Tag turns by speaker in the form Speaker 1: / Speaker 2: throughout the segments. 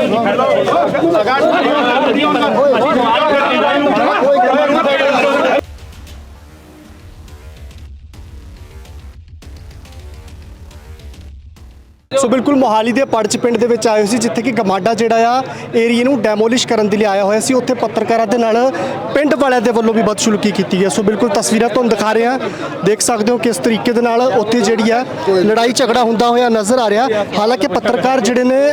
Speaker 1: सो बिल्कुल मोहाली के पड़च पिंड दे विच आए सी जिथे कि गमाडा जिहड़ा आ एरिए नूं डैमोलिश करन दे लई आया होया सी। उत्थे पत्रकारां दे नाल पिंड वालियां दे वल्लों भी बदसलूकी कीती गई। सो बिल्कुल तस्वीरां तुहानूं दिखा रहे हैं, देख सकते हो किस तरीके दे नाल उत्थे जिहड़ी आ लड़ाई झगड़ा हुंदा होया नज़र आ रहा। हालांकि पत्रकार जिहड़े ने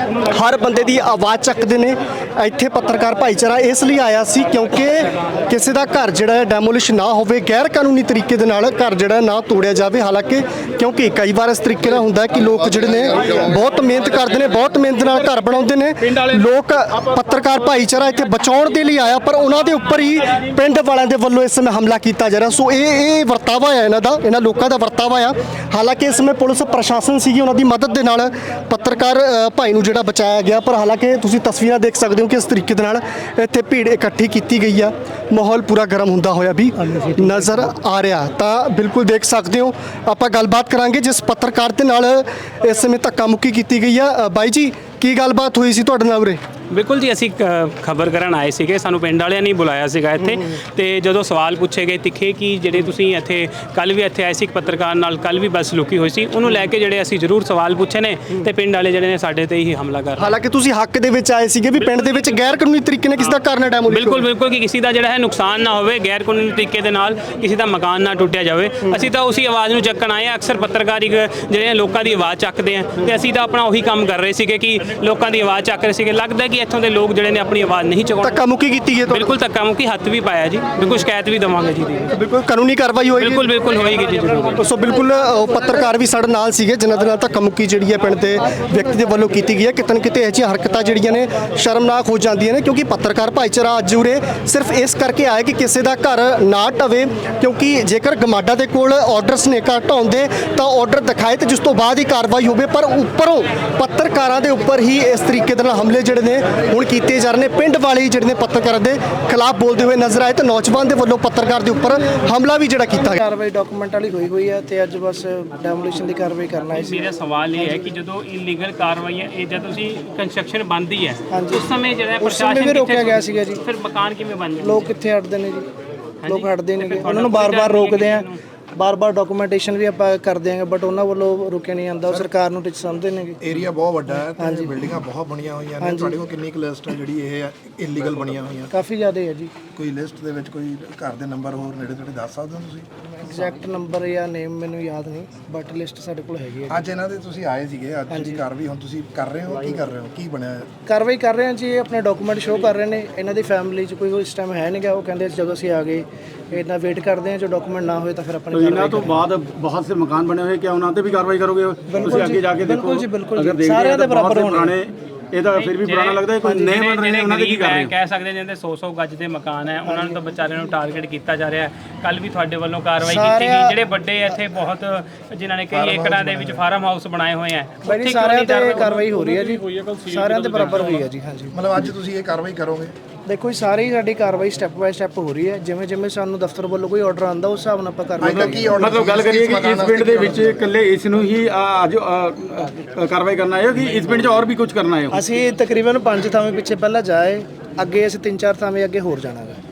Speaker 1: हर बंदे की आवाज़ चकते हैं। इत्थे पत्रकार भाईचारा इसलिए आया सी क्योंकि किसी का घर जिहड़ा डैमोलिश ना होवे, गैर कानूनी तरीके दे नाल घर जिहड़ा ना तोड़िया जाए। हालांकि क्योंकि कई बार इस तरीके नाल हुंदा है कि लोग जिहड़े ने बहुत मेहनत करते हैं, बहुत मेहनत नाल घर बनाउंदे ने लोग। पत्रकार भाईचारा इत्थे बचाउण दे लई आया, पर उन्हां दे उपर ही पिंड वालियां दे वल्लों इस समय हमला किया जा रहा। सो ये वरतावा है इन्हां दा, इन्हां लोकां दा वरतावा आ। हालांकि इस समय पुलिस प्रशासन सीगी, उन्हां दी मदद दे नाल पत्रकार भाई नूं जिहड़ा बचाया गया। पर हालांकि तुसीं तस्वीरां देख सकते हो कि इस तरीके दे नाल इत्थे भीड़ इकट्ठी की गई है। माहौल पूरा गर्म हुंदा होया भी नज़र आ रहा। तो बिल्कुल देख सकते हो, आपां गलबात करांगे जिस पत्रकार दे नाल इस समय धक्का मुक्की की गई है। बाई जी की गलबात हुई सी तुहाडे नाल उरे?
Speaker 2: बिल्कुल जी, असी खबर करन आए सीगे, सानू पिंड वालियां ने बुलाया सीगा इत्थे। ते जदों सवाल पूछे गए तिखे कि जिहड़े तुसीं इत्थे कल भी इत्थे आए सी पत्रकार नाल कल भी बदसलूकी होई सी, उहनूं लैके जिहड़े असी जरूर सवाल पूछे ने ते पिंड वाले जिहड़े ने साडे ते ही हमला कर।
Speaker 1: हालांकि तुसीं हक दे विच आए सीगे भी पिंड दे विच गैर कानूनी तरीके नाल किसी दा घर ना डैमोलिश।
Speaker 2: बिल्कुल बिल्कुल कि किसी का जिहड़ा है नुकसान ना होवे, गैर कानूनी तरीके दे नाल किसी का मकान ना टुटिया जाए। असी तो उसी आवाज़ नूं चक्कण आए। अक्सर पत्रकारी जिहड़े लोकां दी आवाज़ चकदे हैं ते असी तो अपना उही काम कर रहे सीगे कि लोकां दी आवाज़ चक रहे सीगे। लगदा कि इत्थों दे लोग जिहड़े अपनी आवाज़ नहीं चुकाउंदे।
Speaker 1: धक्का मुक्की की है?
Speaker 2: बिल्कुल धक्का मुक्की, हत्थ भी पाया जी, बिल्कुल शिकायत भी देवांगे जी।
Speaker 1: बिल्कुल कानूनी कार्रवाई होएगी?
Speaker 2: बिल्कुल बिल्कुल होएगी जी जरूर।
Speaker 1: सो बिल्कुल पत्रकार भी साडे नाल सीगे जिन्हां दे नाल धक्का मुक्की जिहड़ी है पिंड दे व्यक्ति दे वल्लों कीती गई है। किते ना किते इह हरकतां जिहड़ियां ने शर्मनाक हो जांदियां ने, क्योंकि पत्रकार भाईचारा अज उरे सिर्फ इस करके आया कि किसी का घर ना ढवे। क्योंकि जेकर गमाडा दे कोल ऑर्डरस ने घर ढाउण दे तां ऑर्डर दिखाए तो जिस तो बाद ही कार्रवाई होवे, पर उपरों पत्रकारां दे उपर ही इस तरीके दे नाल हमले जिहड़े ने हुण कीते जा रहे ने। पिंड वाले ही जिहड़े पत्रकारां दे खिलाफ बोलते हुए नजर आए तो नौजवान दे वल्लों पत्रकार दे उपर हमला भी जिहड़ा कीता गया।
Speaker 3: कार्रवाई डॉक्यूमेंट वाली हुई है ते अज बस डैमोलिशन की कार्रवाई करना है।
Speaker 2: मेरा सवाल ये है कि जो इलीगल कार्रवाई है जब तुसी कंस्ट्रक्शन बंद ही है उस समय जो प्रशासन
Speaker 3: भी रोकया गया सीगा जी।
Speaker 2: फिर मकान किवें बन जाए?
Speaker 3: लोग कित्थे हटदे ने जी, लोग हटदे नहीं, उन्होंने बार-बार रोकते हैं, बार-बार डॉक्यूमेंटेशन भी आप कर देंगे, बट उन्होंने वालों रुके नहीं आंदा। सरकार ਨੂੰ ਸਮਝਦੇ ਨੇ।
Speaker 4: ਏਰੀਆ ਬਹੁਤ ਵੱਡਾ ਹੈ ਤੇ ਬਿਲਡਿੰਗਾਂ ਬਹੁਤ ਬਣੀਆਂ ਹੋਈਆਂ ਨੇ। ਤੁਹਾਡੇ ਕੋਲ ਕਿੰਨੀ ਕੁ ਲਿਸਟ ਹੈ ਜਿਹੜੀ ਇਹ ਇਲੀਗਲ ਬਣੀਆਂ ਹੋਈਆਂ?
Speaker 3: ਕਾਫੀ ਜ਼ਿਆਦਾ ਹੈ ਜੀ।
Speaker 4: ਕੋਈ ਲਿਸਟ ਦੇ ਵਿੱਚ ਕੋਈ ਘਰ ਦੇ ਨੰਬਰ ਹੋਰ ਨੇੜੇ ਤੇੜੇ ਦੱਸ ਸਕਦੇ ਹੋ ਤੁਸੀਂ?
Speaker 3: ਐਗਜ਼ੈਕਟ ਨੰਬਰ ਜਾਂ ਨੇਮ ਮੈਨੂੰ ਯਾਦ ਨਹੀਂ, ਬਟ ਲਿਸਟ ਸਾਡੇ ਕੋਲ ਹੈਗੀ ਹੈ।
Speaker 4: ਅੱਜ ਇਹਨਾਂ ਦੇ ਤੁਸੀਂ ਆਏ ਸੀਗੇ, ਅੱਜ ਦੀ ਕਾਰਵਾਈ ਹੁਣ ਤੁਸੀਂ ਕਰ ਰਹੇ ਹੋ, ਕੀ ਕਰ ਰਹੇ ਹੋ, ਕੀ ਬਣਿਆ?
Speaker 3: ਕਾਰਵਾਈ ਕਰ ਰਹੇ ਹਾਂ ਜੀ, ਆਪਣੇ ਡਾਕੂਮੈਂਟ ਸ਼ੋਅ ਕਰ ਰਹੇ ਨੇ। ਇਹਨਾਂ ਦੀ ਫੈਮਿਲੀ 'ਚ ਕੋਈ ਇਸ ਟਾਈਮ ਹੈ ਨਹੀਂ ਗਾ, ਉਹ ਕਹਿੰਦੇ ਜਦੋਂ ਅਸੀਂ ਆ ਗਏ ਇਹਨਾਂ ਵੇਟ ਕਰਦੇ ਹਾਂ, ਜੋ ਡਾਕੂਮੈਂਟ ਨਾ ਹੋਏ ਤਾਂ ਫਿਰ ਆਪਣੀ
Speaker 5: ਇਹਨਾਂ ਤੋਂ ਬਾਅਦ ਬਹੁਤ ਸੇ ਮਕਾਨ ਬਣੇ ਹੋਏ, ਕਿਆ ਉਹਨਾਂ ਤੇ ਵੀ ਕਾਰਵਾਈ ਕਰੋਗੇ? ਤੁਸੀਂ ਅੱਗੇ ਜਾ ਕੇ ਦੇਖੋ।
Speaker 3: ਬਿਲਕੁਲ ਜੀ, ਬਿਲਕੁਲ ਸਾਰਿਆਂ ਦੇ ਬਰਾਬਰ ਹੋਣੇ।
Speaker 5: ਇਹ ਤਾਂ ਫਿਰ ਵੀ ਪੁਰਾਣਾ ਲੱਗਦਾ ਹੈ, ਕੋਈ ਨਵੇਂ ਬਣ ਰਹੇ ਨੇ, ਉਹਨਾਂ ਦੇ ਕੀ ਕਰ ਰਹੇ ਹੋ?
Speaker 2: ਕਹਿ ਸਕਦੇ ਜਿੰਦੇ 100 ਗੱਜ ਦੇ ਮਕਾਨ ਹੈ ਉਹਨਾਂ ਨੂੰ ਤਾਂ ਵਿਚਾਰਿਆਂ ਨੂੰ ਟਾਰਗੇਟ ਕੀਤਾ ਜਾ ਰਿਹਾ ਹੈ। ਕੱਲ ਵੀ ਤੁਹਾਡੇ ਵੱਲੋਂ ਕਾਰਵਾਈ ਕੀਤੀ ਗਈ। ਜਿਹੜੇ ਵੱਡੇ ਇੱਥੇ ਬਹੁਤ ਜਿਨ੍ਹਾਂ ਨੇ ਕਈ ਏਕੜਾਂ ਦੇ ਵਿੱਚ ਫਾਰਮ ਹਾਊਸ ਬਣਾਏ ਹੋਏ ਆ,
Speaker 3: ਉੱਥੇ ਸਾਰਿਆਂ ਤੇ ਕਾਰਵਾਈ ਹੋ ਰਹੀ ਹੈ ਜੀ, ਸਾਰਿਆਂ ਦੇ ਬਰਾਬਰ ਹੋਈ ਹੈ ਜੀ। ਹਾਂਜੀ,
Speaker 4: ਮਤਲਬ ਅੱਜ ਤੁਸੀਂ ਇਹ ਕਾਰਵਾਈ ਕਰੋਗੇ?
Speaker 3: ਦੇਖੋ ਜੀ, ਸਾਰੀ ਸਾਡੀ ਕਾਰਵਾਈ ਸਟੈਪ ਬਾਏ ਸਟੈਪ ਹੋ ਰਹੀ ਹੈ। ਜਿਵੇਂ ਜਿਵੇਂ ਸਾਨੂੰ ਦਫ਼ਤਰ ਵੱਲੋਂ ਕੋਈ ਆਰਡਰ ਆਉਂਦਾ ਉਸ ਹਿਸਾਬ ਨਾਲ ਆਪਾਂ ਕਾਰਵਾਈ ਕਰਾਂਗੇ।
Speaker 5: ਮਤਲਬ ਗੱਲ ਕਰੀਏ ਕਿ ਇਸ ਪਿੰਡ ਦੇ ਵਿੱਚ ਇਕੱਲੇ ਇਸ ਨੂੰ ਹੀ ਅੱਜ ਕਾਰਵਾਈ ਕਰਨਾ ਹੈ ਕਿ ਇਸ ਪਿੰਡ 'ਚ ਹੋਰ ਵੀ ਕੁਝ ਕਰਨਾ ਹੈ?
Speaker 3: ਅਸੀਂ ਤਕਰੀਬਨ 5 ਥਾਵੇਂ ਪਿੱਛੇ ਪਹਿਲਾਂ ਜਾਏ, ਅੱਗੇ ਅਸੀਂ 3-4 ਥਾਵੇਂ ਅੱਗੇ ਹੋਰ ਜਾਣਾ ਹੈ।